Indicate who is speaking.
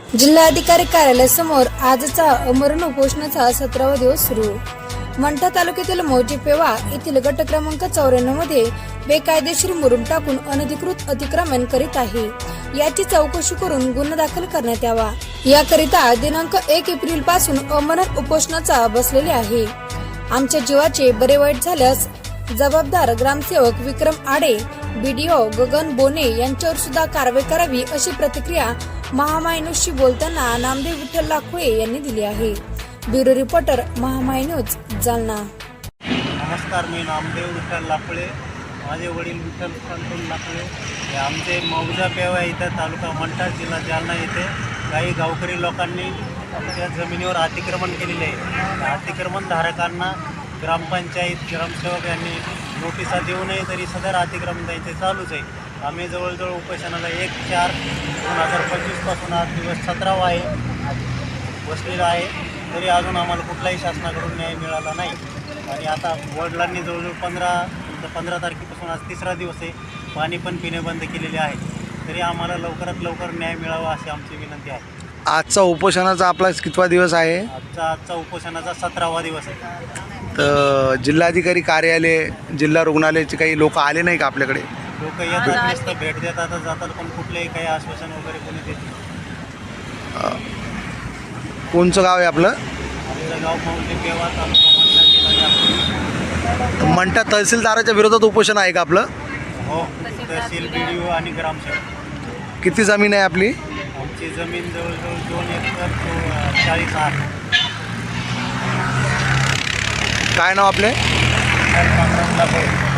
Speaker 1: जिल्हाधिकारी कार्यालयासमोर आजचा अमरण उपोषणाचा 17वा दिवस सुरू। मंठा तालुक्यातील मौजे पेवा येथील गट क्रमांक 94 मध्ये बेकायदेशीर मुरुम टाकून अनधिकृत अतिक्रमण करीत आहे, याची चौकशी करून गुन्हा दाखल करण्यात यावा, याकरिता दिनांक 1 एप्रिल पासून अमरण उपोषणाचा बसलेले आहे। आमच्या जीवाचे बरे वाईट झाल्यास जबाबदार ग्रामसेवक विक्रम आडे, बीडीओ गगन बोने यांच्यावर सुद्धा कारवाई करावी, अशी प्रतिक्रिया महामाय न्यूजशी बोलताना नामदेव विठ्ठल लाखोळे यांनी दिली आहे। Bureau reporter Mahamay news Jalna.
Speaker 2: नमस्कार, मी नामदेव विठ्ठल लाखोळे, माझे वडील विठ्ठल संतोष लाखोळे हे आमचे मौजा पेवा इथं तालुका मंठा जिल्हा जालना येथे काही गावकरी लोकांनी आमच्या जमिनीवर अतिक्रमण केलेले आहे। अतिक्रमण धारकांना ग्रामपंचायत ग्रामसेवक यांनी नोटिसा देऊ नये तरी सदर अतिक्रमण त्यांचे चालूच आहे। आम्ही जवळजवळ उपोषणाला 1/4/2025 पासून आज दिवस 17वा आहे बसलेला आहे, तरी अजून आम्हाला कुठलाही शासनाकडून न्याय मिळाला नाही। आणि आता वडिलांनी जवळजवळ 15 तारखेपासून आज 3रा दिवस आहे, पाणी पण पिणे बंद केलेले आहे, तरी आम्हाला लवकरात लवकर न्याय मिळावा अशी आमची विनंती आहे।
Speaker 3: आजचा उपोषणाचा आपला कितवा दिवस आहे?
Speaker 2: आजचा उपोषणाचा 17वा दिवस आहे।
Speaker 3: तर जिल्हाधिकारी कार्यालय, जिल्हा रुग्णालयाचे काही लोक आले नाही का आपल्याकडे?
Speaker 2: लोक येतात, नुसतं भेट देतात जातात, पण कुठलेही काही आश्वासन वगैरे कोणी देत नाही।
Speaker 3: कोणचं गाव आहे आपलं?
Speaker 2: आपलं गाव मौजे पेवा तालुका मंठा जिल्हा जालना।
Speaker 3: मंठा तहसीलदाराच्या विरोधात उपोषण आहे का आपलं?
Speaker 2: हो, तहसील, बीडीओ आणि ग्रामसेवक।
Speaker 3: किती जमीन आहे आपली?
Speaker 2: आमची जमीन जवळजवळ 2 एकर 40 आहे।
Speaker 3: काय नाव आपले?
Speaker 2: पांडुरंग लाखोळे।